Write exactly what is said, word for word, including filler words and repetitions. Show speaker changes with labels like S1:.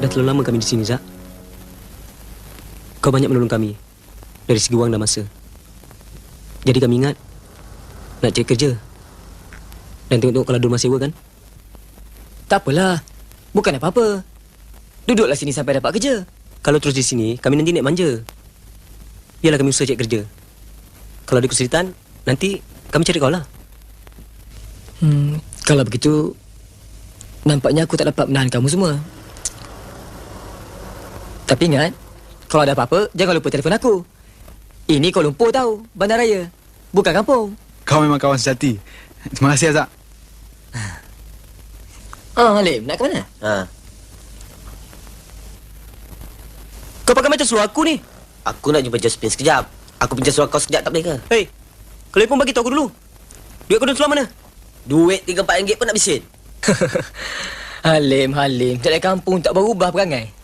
S1: Dah terlalu lama kami di sini, Zak. Kau banyak menolong kami dari segi wang dan masa. Jadi kami ingat nak cari kerja dan tengok-tengok kalau ada rumah sewa kan?
S2: Tak apalah. Bukan apa-apa. Duduklah sini sampai dapat kerja.
S1: Kalau terus di sini, kami nanti naik manja. Biarlah kami usaha cari kerja. Kalau ada kesulitan, nanti kami cari kau lah.
S2: Hmm, kalau begitu, nampaknya aku tak dapat menahan kamu semua. Tapi ingat, kalau ada apa-apa, jangan lupa telefon aku. Ini Kuala Lumpur tahu, bandaraya. Bukan kampung.
S3: Kau memang kawan sejati. Terima kasih, Azhar.
S2: Ah, Halim, nak ke mana?
S4: Ha.
S1: Kau pakai macam seluar aku ni.
S4: Aku nak jumpa Josephine sekejap. Aku pinjam seluar kau sekejap tak boleh ke?
S1: Hei, kalau pun bagi tahu aku dulu. Duit kau dalam seluar mana?
S4: Duit tiga empat ringgit pun nak bisin.
S2: Halim, Halim. Tak ada kampung, tak berubah perangai.